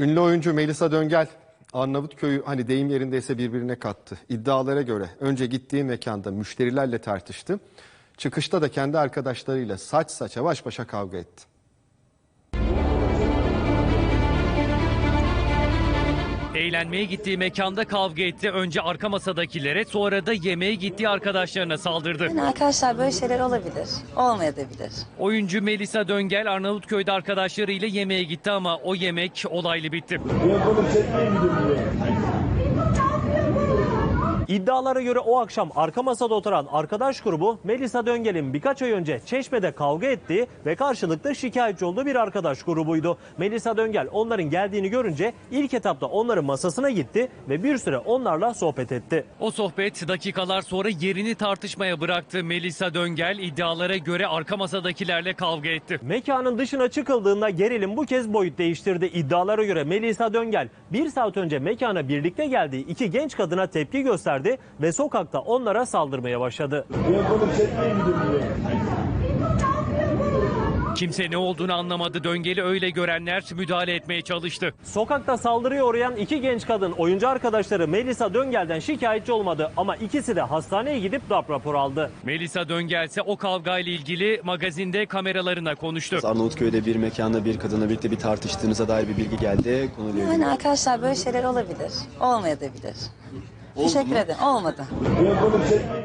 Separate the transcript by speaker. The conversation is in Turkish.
Speaker 1: Ünlü oyuncu Melisa Döngel, Arnavutköy'ü hani deyim yerindeyse birbirine kattı. İddialara göre önce gittiği mekanda müşterilerle tartıştı. Çıkışta da kendi arkadaşlarıyla saç saça baş başa kavga etti.
Speaker 2: Eğlenmeye gittiği mekanda kavga etti. Önce arka masadakilere, sonra da yemeğe gittiği arkadaşlarına saldırdı.
Speaker 3: Yani arkadaşlar böyle şeyler olabilir, olmayabilir.
Speaker 2: Oyuncu Melisa Döngel Arnavutköy'de arkadaşlarıyla yemeğe gitti ama o yemek olaylı bitti.
Speaker 4: İddialara göre o akşam arka masada oturan arkadaş grubu Melisa Döngel'in birkaç ay önce Çeşme'de kavga ettiği ve karşılıklı şikayetçi olduğu bir arkadaş grubuydu. Melisa Döngel onların geldiğini görünce ilk etapta onların masasına gitti ve bir süre onlarla sohbet etti.
Speaker 2: O sohbet dakikalar sonra yerini tartışmaya bıraktı. Melisa Döngel iddialara göre arka masadakilerle kavga etti.
Speaker 4: Mekanın dışına çıkıldığında gerilim bu kez boyut değiştirdi. İddialara göre Melisa Döngel bir saat önce mekana birlikte geldiği iki genç kadına tepki gösterdi ve sokakta onlara saldırmaya başladı.
Speaker 2: Kimse ne olduğunu anlamadı. Döngel'i öyle görenler müdahale etmeye çalıştı.
Speaker 4: Sokakta saldırıya uğrayan iki genç kadın oyuncu arkadaşları Melisa Döngel'den şikayetçi olmadı ama ikisi de hastaneye gidip darp raporu aldı.
Speaker 2: Melisa Döngel ise o kavgayla ilgili magazinde kameralarına konuştu.
Speaker 5: Arnavutköy'de bir mekanda bir kadınla birlikte bir tartıştığınıza dair bir bilgi geldi. Konuyla ilgili.
Speaker 3: Yani arkadaşlar böyle şeyler olabilir, olmayabilir. Teşekkür ederim, olmadı.